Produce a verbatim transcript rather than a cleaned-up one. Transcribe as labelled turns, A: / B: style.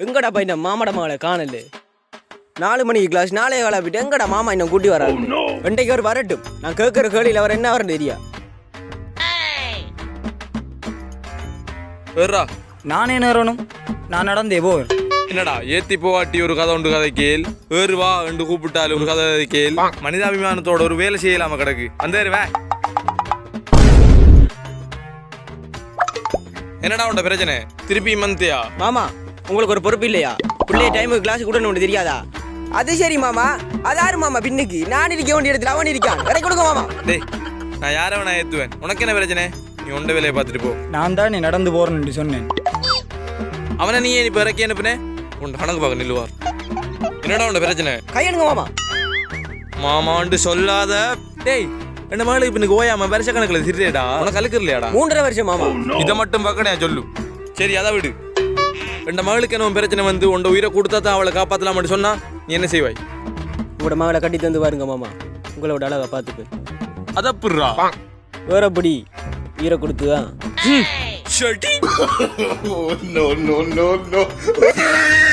A: எங்கடா பையன் மாமாட மகளை காணல. நாலு மணிக்கு கிளாஸ் நாளைய கால போயிட்டு எங்கடா மாமா இன்னும் கூட்டி வராரு. ரெண்டைக்கு அவர் வரட்டும், நான் கேட்கற கேள்வியில் அவர் என்ன வரணும் தெரியா.
B: நானே நேரணும், நான் நடந்தே போவேன்.
C: என்னடா ஏத்தி போவாட்டி ஒரு கதை உண்டு கதை கேள், ஏறு வா என்று கூப்பிட்டாலும் ஒரு கதை கேள். மனிதாபிமானத்தோட ஒரு வேலை செய்யலாம கிடக்கு. அந்த வே என்னடா உண்ட பிரச்சனை? திருப்பி மந்தியா
A: மாமா உங்களுக்கு ஒரு பொறுப்பு இல்லையா? பிள்ளைய டைமுக்கு கிளாஸ் கூட ஒன்று தெரியாதா? அது சரி மாமா, அதாரு மாமா பின்னுக்கு நான் இருக்க வேண்டிய இடத்துல அவன் இருக்கான். கடை கொடுங்க மாமா.
C: டேய் நான் யாரை வேணா ஏத்துவேன், உனக்கு என்ன பிரச்சனை? நீ உண்ட வேலையை பார்த்துட்டு போ.
B: நான் தான் நீ நடந்து போறேன்னு சொன்னேன்.
C: அவனை நீ இப்ப இறக்கி அனுப்புனே, உன் கணக்கு பார்க்க நில்லுவார். என்னடா உண்ட பிரச்சனை?
A: கையெடுங்க மாமா.
C: மாமாண்டு சொல்லாத. டேய் ரெண்டு மகளுக்கு இப்ப நீ ஓயாம வருஷ கணக்குல திரியடா, உனக்கு அழுக்கு இல்லையாடா?
A: மூன்றரை வருஷம் மாமா.
C: இதை மட்டும் பார்க்கணே சொல்லு. சரி அதை விடு. ரெண்டு மகளுக்கு என்ன பிரச்சனை வந்து உண்ட உயிரை கொடுத்தா தான் அவளை காப்பாத்தலாம் சொன்னா நீ என்ன செய்வாய்?
A: உங்களோட மகளை கட்டி தந்து பாருங்க மாமா, உங்களோட அழகா பார்த்துக்கு.
C: அதப்புறா
A: வேறபடி உயிரை கொடுத்துதான்.
C: ஷட்டி.
D: No, no, no, no.